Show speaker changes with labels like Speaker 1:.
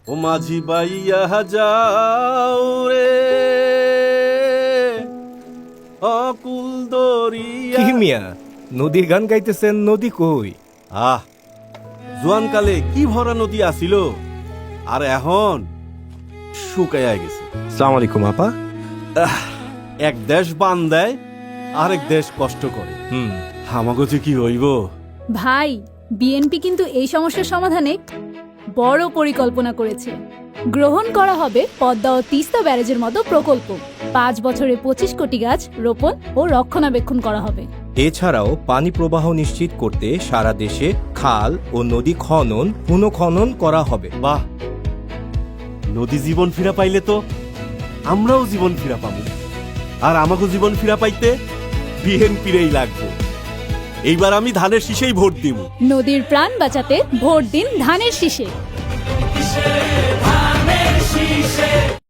Speaker 1: ও মাঝি বাইয়া যাও রে অকুল দরিয়া।
Speaker 2: কি মিয়া নদীর গান গাইতেছেন? নদী কই?
Speaker 1: আহ, জোয়ানকালে কি ভরা নদী আসিল, আর এখন শুকাইয়া গেছে।
Speaker 2: সালাম আলাইকুম আপা।
Speaker 1: এক দেশ বান দেয়, আরেক দেশ কষ্ট করে। আমাগো যে কি হইব।
Speaker 3: ভাই, বিএনপি কিন্তু এই সমস্যার সমাধানে বড় পরিকল্পনা করেছে। গ্রহণ করা হবে পদ্মা ও তিস্তা ব্যারেজের মতো প্রকল্প। 5 বছরে 25 কোটি গাছ রোপণ ও রক্ষণাবেক্ষণ করা হবে।
Speaker 2: এছাড়াও পানি প্রবাহ নিশ্চিত করতে সারা দেশে খাল ও নদী খনন পুনঃখনন করা হবে।
Speaker 1: বাহ, নদী জীবন ফিরা পাইলে তো আমরাও জীবন ফিরা পাবো। আর আমাকে জীবন ফিরা পাইতে বিএনপিরই লাগবে। এইবার আমি ধানের শীষেই ভোট দিব।
Speaker 3: নদীর প্রাণ বাঁচাতে ভোট দিন ধানের শীষে।